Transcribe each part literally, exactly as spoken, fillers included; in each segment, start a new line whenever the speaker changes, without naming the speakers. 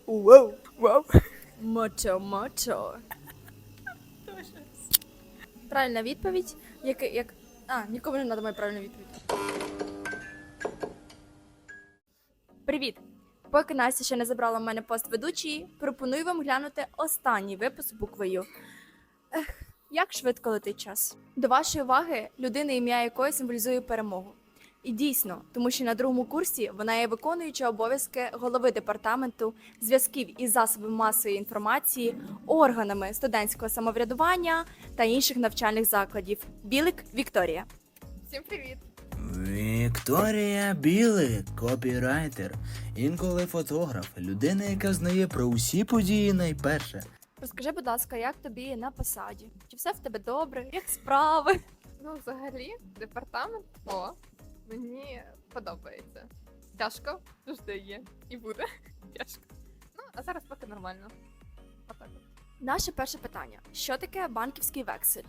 Вау, вау. Мочо, мочо. Правильна відповідь. Як, як... А, нікому не треба моя правильна відповідь. Привіт! Поки Настя ще не забрала в мене пост ведучої, пропоную вам глянути останній випуск буквою. Ех, як швидко летить час. До вашої уваги людина, ім'я якої символізує перемогу. І дійсно, тому що на другому курсі вона є виконуюча обов'язки голови департаменту зв'язків із засобами масової інформації, органами студентського самоврядування та інших навчальних закладів. Білик Вікторія.
Всім привіт!
Вікторія Білик, копірайтер, інколи фотограф, людина, яка знає про усі події найперше.
Розкажи, будь ласка, як тобі на посаді? Чи все в тебе добре? Як справи?
Ну, взагалі, департамент О мені подобається. Тяжко, завжди є. І буде тяжко. Ну, а зараз поки нормально. Отак от.
Наше перше питання. Що таке банківський вексель?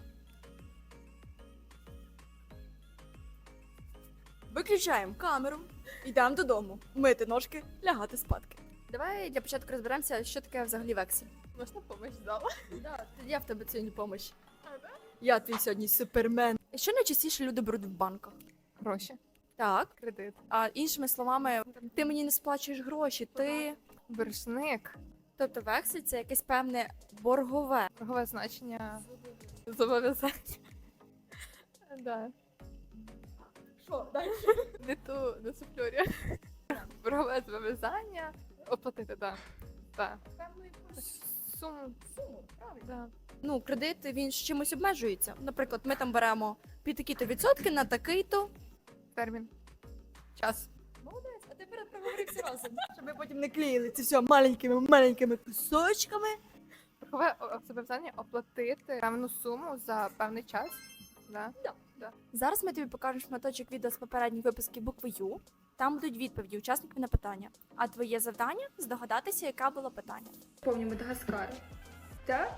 Виключаємо камеру, йдемо додому, мити ножки, лягати спадки. Давай для початку розберемося, що таке взагалі вексель.
Можна помощь дала?
Да, я в тебе сьогодні помощь.
А, да?
Я твій сьогодні супермен. Що найчастіше люди беруть в банках?
Гроші.
Так.
Кредит.
А іншими словами, ти мені не сплачуєш гроші, ти...
Боржник.
Тобто вексель – це якесь певне боргове.
Торгове значення. Зобов'язання. Да.
Що, далі?
Не ту, не суфльорю. Боргове зобов'язання. Оплатити, так. Да. Да. Суму.
Суму, правильно.
Да.
Ну, кредит, він з чимось обмежується. Наприклад, ми там беремо під такі-то відсотки на такий-то.
Термін. Час.
Молодець, а тепер проговорився разом. Щоб ми потім не клеїли це все маленькими-маленькими кусочками.
Боргове о- зобов'язання оплатити певну суму за певний час. Да?
Да.
Да.
Зараз ми тобі покажемо шматочок відео з попередніх випусків букви Ю. Там будуть відповіді учасників на питання. А твоє завдання – здогадатися, яке було питання.
Помню Мадагаскар. Так?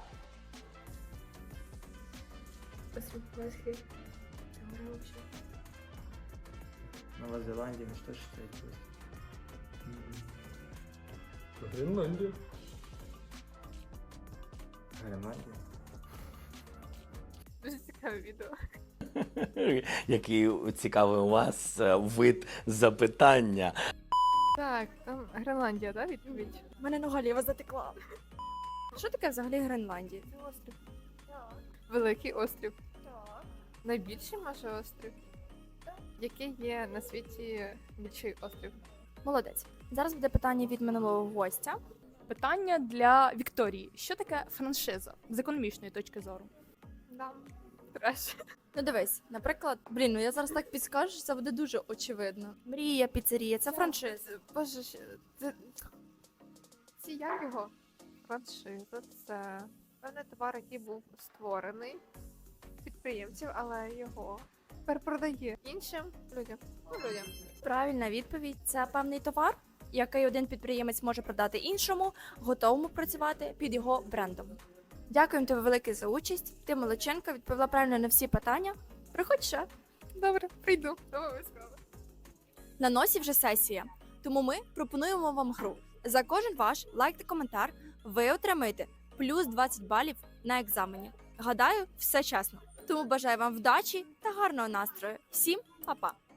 Посмотри.
Нова Зеландія, ну що ж це якось?
Гренландия.
Гренландія?
Дуже цікаве відео.
Який цікавий у вас е, вид запитання.
Так, там Гренландія, да, відповідь?
У мене нога ліва затекла. Що таке взагалі Гренландія?
Це острів. Великий острів. Найбільший може острів. Який є на світі більший острів?
Молодець. Зараз буде питання від минулого гостя.
Питання для Вікторії. Що таке франшиза з економічної точки зору?
Да. Треш.
Ну дивись, наприклад, блін, ну я зараз так підскажу, що це буде дуже очевидно. Мрія, піцерія, це франшиза.
Боже, ще- це... Це як його? Франшиза – це певний товар, який був створений підприємців, але його перепродає іншим людям. Ну, людям.
Правильна відповідь – це певний товар, який один підприємець може продати іншому, готовому працювати під його брендом. Дякуємо тобі велике за участь. Ти молодчинка, відповіла правильно на всі питання. Приходь ще.
Добре, прийду. Обов'язково.
На носі вже сесія, тому ми пропонуємо вам гру. За кожен ваш лайк та коментар ви отримаєте плюс двадцять балів на екзамені. Гадаю, все чесно. Тому бажаю вам вдачі та гарного настрою. Всім па-па!